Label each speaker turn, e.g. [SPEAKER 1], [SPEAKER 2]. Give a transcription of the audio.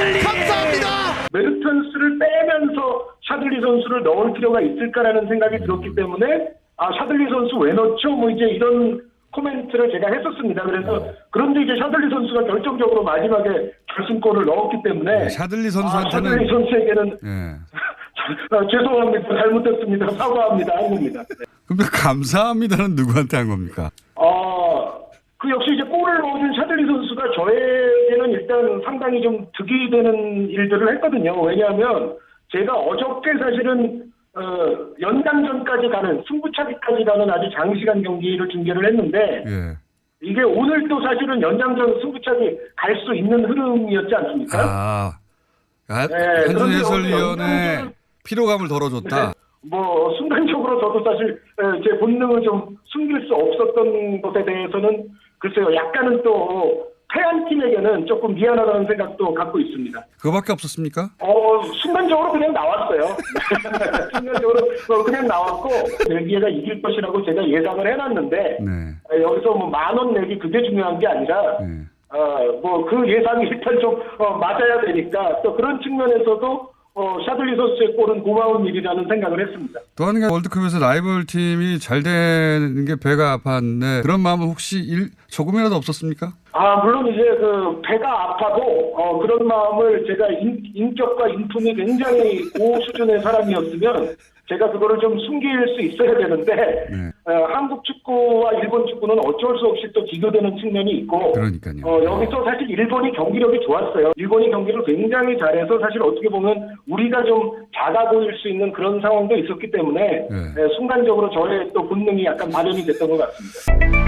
[SPEAKER 1] 감사합니다.
[SPEAKER 2] 메르턴스를 빼면서 샤들리 선수를 넣을 필요가 있을까라는 생각이 들었기 때문에 샤들리 선수 왜 넣죠? 뭐 이제 이런 코멘트를 제가 했었습니다. 그래서 그런데 이제 샤들리 선수가 결정적으로 마지막에 결승골을 넣었기 때문에
[SPEAKER 3] 샤들리 선수한테는
[SPEAKER 2] 샤들리 선수에게는
[SPEAKER 3] 예.
[SPEAKER 2] 죄송합니다. 잘못했습니다. 사과합니다. 아닙니다. 네.
[SPEAKER 3] 근데 감사합니다는 누구한테 한 겁니까?
[SPEAKER 2] 그 역시 이제 골을 넣어준 샤들리 선수가 저에게는 일단 상당히 좀 득이 되는 일들을 했거든요. 왜냐하면 제가 어저께 사실은 연장전까지 가는 승부차기까지 가는 아주 장시간 경기를 중계를 했는데
[SPEAKER 3] 예.
[SPEAKER 2] 이게 오늘 또 사실은 연장전 승부차기 갈 수 있는 흐름이었지 않습니까? 네,
[SPEAKER 3] 한준
[SPEAKER 2] 그런데
[SPEAKER 3] 해설위원의
[SPEAKER 2] 연장전은-
[SPEAKER 3] 피로감을 덜어줬다.
[SPEAKER 2] 네. 뭐 순간적으로 저도 사실 제 본능을 좀 숨길 수 없었던 것에 대해서는 글쎄요, 약간은 또 패한 팀에게는 조금 미안하다는 생각도 갖고 있습니다.
[SPEAKER 3] 그거밖에 없었습니까?
[SPEAKER 2] 순간적으로 그냥 나왔어요. 순간적으로 그냥 나왔고 벨기에가 이길 것이라고 제가 예상을 해놨는데
[SPEAKER 3] 네.
[SPEAKER 2] 여기서 뭐 10,000원 내기 그게 중요한 게 아니라
[SPEAKER 3] 네.
[SPEAKER 2] 뭐 그 예상이 일단 좀 맞아야 되니까 또 그런 측면에서도 샤들리 선수의 골은 고마운 일이라는 생각을 했습니다.
[SPEAKER 3] 또 하는 게 월드컵에서 라이벌 팀이 잘 되는 게 배가 아팠는데 그런 마음은 혹시 조금이라도 없었습니까?
[SPEAKER 2] 물론 이제 그 배가 아파도 그런 마음을 제가 인격과 인품이 굉장히 고수준의 사람이었으면 제가 그거를 좀 숨길 수 있어야 되는데 한국 축구와 일본 축구는 어쩔 수 없이 또 비교되는 측면이 있고
[SPEAKER 3] 그러니까요.
[SPEAKER 2] 여기서 사실 일본이 경기력이 좋았어요. 일본이 경기를 굉장히 잘해서 사실 어떻게 보면 우리가 좀 작아 보일 수 있는 그런 상황도 있었기 때문에 순간적으로 저의 또 본능이 약간 발현이 됐던 것 같습니다.